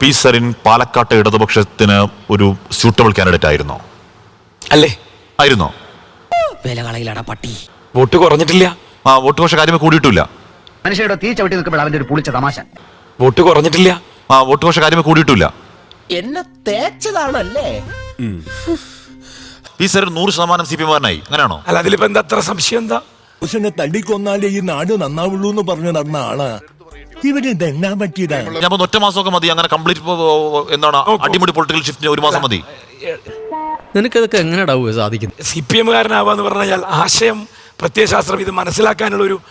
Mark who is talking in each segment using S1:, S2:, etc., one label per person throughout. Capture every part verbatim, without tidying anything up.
S1: P Sarin പാലക്കാട്ടെ ഇടതുപക്ഷത്തിന് ഒരു സ്യൂട്ടബിൾ കാൻഡിഡേറ്റ് ആയിരുന്നോ?
S2: അല്ലേ?
S1: ആയിരുന്നോ?
S2: വില കളയിലാടാ പട്ടി. വോട്ട് കുറഞ്ഞിട്ടില്ല.
S1: ആ വോട്ട് പക്ഷെ കാര്യമേ കൂടിയിട്ടില്ല.
S3: മനുഷ്യരുടെ തീ ചവിട്ടി നിൽക്കുമ്പോൾ അവന്റെ ഒരു പുളിച്ച തമാശ.
S2: വോട്ട് കുറഞ്ഞിട്ടില്ല.
S1: ആ വോട്ട് പക്ഷെ കാര്യമേ കൂടിയിട്ടില്ല.
S4: എന്നെ തേച്ചതാണല്ലേ?
S1: പി സരിൻ നൂറ് ശതമാനം സി പി എമ്മുകാരനായി, അങ്ങനെയാണോ?
S2: അല്ല, അതിലിപ്പോ എന്താ അത്ര സംശയം? എന്താ
S5: പുരുഷനെ തല്ലിക്കൊന്നാലേ ഈ നാട് നന്നാവുള്ളൂ എന്ന് പറഞ്ഞു നടന്ന ആളാ ഇവന് ഇതെന്നാ പറ്റിയതാണ്.
S1: ഞാൻ ഒറ്റ മാസമൊക്കെ മതി അങ്ങനെ കംപ്ലീറ്റ് എന്താണ് അടിമുടി പൊളിറ്റിക്കൽ ഷിഫ്റ്റിന് ഒരു മാസം മതി.
S6: നിനക്കതൊക്കെ എങ്ങനെയാ സാധിക്കുന്നത്?
S2: സി പി എമ്മുകാരനാവാന്ന് പറഞ്ഞാൽ ആശയം പ്രത്യയശാസ്ത്രം ഇത് മനസ്സിലാക്കാനുള്ള ഒരു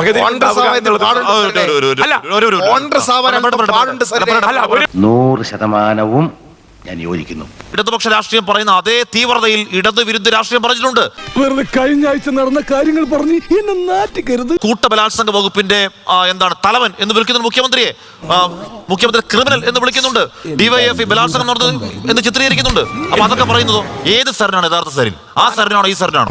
S3: നൂറ് ശതമാനവും ഞാൻ യോജിക്കുന്നു.
S1: ഇടതുപക്ഷ രാഷ്ട്രീയം പറയുന്ന അതേ തീവ്രതയിൽ ഇടത് വിരുദ്ധ രാഷ്ട്രീയം പറഞ്ഞിട്ടുണ്ട്.
S5: വെറുതെ കഴിഞ്ഞ ആഴ്ച നടന്ന കാര്യങ്ങൾ പറഞ്ഞ് എന്നെ നാറ്റിക്കരുത്.
S1: കൂട്ടബലാത്സംഗ വകുപ്പിന്റെ എന്താണ് തലവൻ എന്ന് വിളിക്കുന്നുണ്ട് മുഖ്യമന്ത്രിയെ. മുഖ്യമന്ത്രി ക്രിമിനൽ എന്ന് വിളിക്കുന്നുണ്ട്. ഡിവൈഎഫ്ഐ ബലാത്സംഗം നടന്നത് എന്ന് ചിത്രീകരിക്കുന്നുണ്ട്. അപ്പൊ അതൊക്കെ പറയുന്നതോ ഏത് സരനാണ് യഥാർത്ഥ സരിൻ? ആ സരനാണോ ഈ സരനാണോ?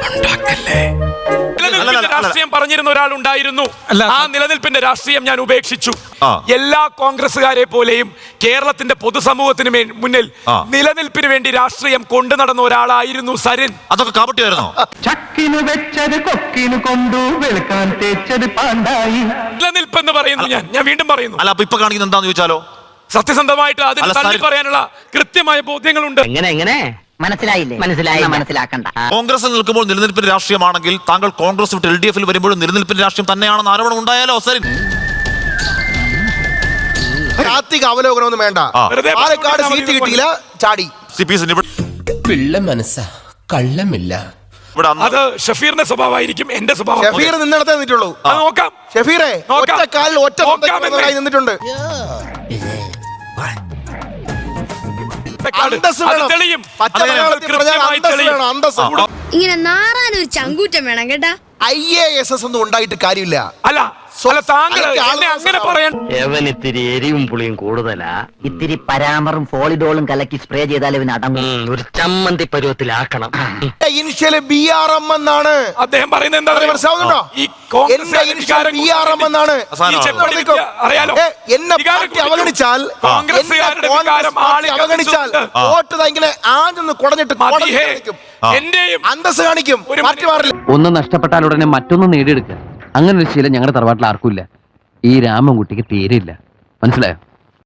S2: രാഷ്ട്രീയം പറഞ്ഞിരുന്ന ഒരാളുണ്ടായിരുന്നു. ആ നിലനിൽപ്പിന്റെ രാഷ്ട്രീയം ഞാൻ ഉപേക്ഷിച്ചു. എല്ലാ കോൺഗ്രസുകാരെ പോലെയും കേരളത്തിന്റെ പൊതുസമൂഹത്തിന് മുന്നിൽ നിലനിൽപ്പിന് വേണ്ടി രാഷ്ട്രീയം കൊണ്ടു നടന്ന ഒരാളായിരുന്നു സരിൻ.
S1: അതൊക്കെ കാപട്യമായിരുന്നോ?
S2: നിലനിൽപ്പ് എന്ന് പറയുന്നു ഞാൻ ഞാൻ വീണ്ടും പറയുന്നു.
S1: അല്ല, അപ്പൊ ഇപ്പൊ കാണിക്കുന്നത് എന്താന്ന് ചോദിച്ചാലോ?
S2: സത്യസന്ധമായിട്ട് അതിന് തള്ളി പറയാനുള്ള കൃത്യമായ ബോധ്യങ്ങളുണ്ട്.
S3: എങ്ങനെ എങ്ങനെ മനസ്സിലായില്ലേ? മനസ്സിലായി, മനസ്സിലാക്കണ്ട.
S1: കോൺഗ്രസിൽ നിൽക്കുമ്പോൾ നിലനിൽപ്പിന്റെ രാഷ്ട്രീയമാണെങ്കിൽ താങ്കൾ കോൺഗ്രസ് വിട്ട് എൽ ഡി എഫിൽ വരുമ്പോഴും നിലനിൽപ്പിന്റെ രാഷ്ട്രീയം തന്നെയാണെന്ന് ആരോപണം ഉണ്ടായാലോ സരിൻ?
S4: അവലോകനമൊന്നും വേണ്ട. പാലക്കാട് സീറ്റ് കിട്ടിയില്ല, ചാടി.
S7: പിള്ള മനസ്സാ, കള്ളമില്ല.
S2: അത് ഷഫീറിന്റെ സ്വഭാവമായിരിക്കും, എന്റെ സ്വഭാവം.
S4: ഷഫീർ നിന്നിടത്തേ നിന്നിട്ടുള്ളൂ.
S2: നോക്കാം.
S4: ഷഫീറെ ഒറ്റ കാലിൽ ഒറ്റ നിന്നിട്ടുണ്ട്.
S8: ഇങ്ങനെ നാറാനൊരു ചങ്കൂറ്റം വേണം കേട്ടാ.
S4: ഐ എ എസ് എസ് ഒന്നും ഉണ്ടായിട്ട് കാര്യമില്ല.
S2: അല്ല, അങ്ങനെ പറയാൻ
S3: ഇത്തിരി എരിവും പുളിയും കൂടുതലാ. ഇത്തിരി പരാമറും ഫോളിഡോളും കലക്കി സ്പ്രേ ചെയ്താൽ ഇവന് അടങ്ങും. ഒരു ചമ്മന്തി പരുവത്തിലാക്കണം.
S4: ഇനിഷ്യല് ബി ആർ എം എന്നാണ്
S2: അദ്ദേഹം പറയുന്നത്. എന്താ മനസ്സിലാവുന്നുണ്ടോ? ഈ
S4: ബി ആർ എം എന്നാണ്. എന്നെ പാർട്ടി അവഗണിച്ചാൽ അവഗണിച്ചാൽ വോട്ട് ഇങ്ങനെ ആഞ്ഞൊന്ന് കുടഞ്ഞിട്ട് അന്തസ് കാണിക്കും. പാർട്ടി മാറില്ല.
S9: ഒന്ന് നഷ്ടപ്പെട്ടാൽ ഉടനെ മറ്റൊന്ന് നേടിയെടുക്കുക. അങ്ങനെ ഒരു ശീലം ഞങ്ങളുടെ തറവാട്ടിൽ ആർക്കും ഇല്ല. ഈ രാമൻകുട്ടിക്ക് തീരെയില്ല. മനസ്സിലായോ?